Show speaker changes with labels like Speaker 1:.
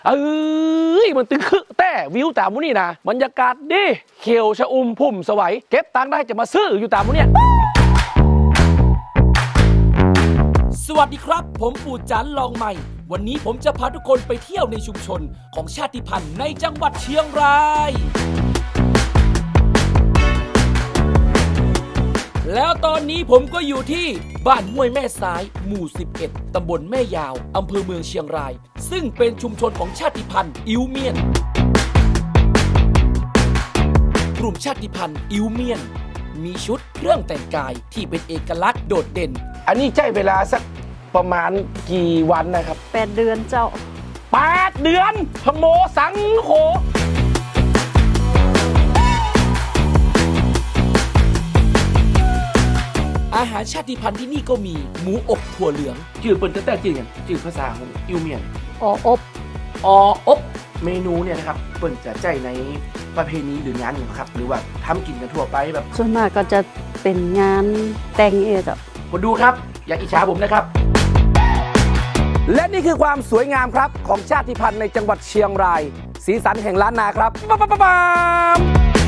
Speaker 1: เอ้ยมันตึงคือแต่วิวตามมุนี่นะบรรยากาศดีเขียวชะอุ่มพุ่มสวัยเก็บตังค์ได้จะมาซื้ออยู่ตามมุเนี่ยสวัสดีครับผมปู่จันลองใหม่วันนี้ผมจะพาทุกคนไปเที่ยวในชุมชนของชาติพันธุ์ในจังหวัดเชียงรายแล้วตอนนี้ผมก็อยู่ที่บ้านห้วยแม่ซ้ายหมู่11ตำบลแม่ยาวอำเภอเมืองเชียงรายซึ่งเป็นชุมชนของชาติพันธุ์อิวเมียนกลุ่มชาติพันธุ์อิวเมียนมีชุดเครื่องแต่งกายที่เป็นเอกลักษณ์โดดเด่นอันนี้ใช้เวลาสักประมาณกี่วันนะครับ
Speaker 2: 8 เดือนเจ้า
Speaker 1: 8 เดือนพโมสังโฆอาหารชาติพันธุ์ที่นี่ก็มีหมูอบถั่วเหลืองชื่อเปิ้นจะแตกจริงกันชื่อภาษาของอิวเมียนอบเมนูเนี่ยนะครับเปิ้นจะใจในประเพณีหรืองานอย่างครับหรือว่าทำกินกันทั่วไปแบบ
Speaker 2: ส่วนมากก็จะเป็นงานแต่งเจ้า
Speaker 1: คนดูครับอย่าอิจฉาผมนะครับและนี่คือความสวยงามครับของชาติพันธุ์ในจังหวัดเชียงรายสีสันแห่งล้านนาครับปั๊บ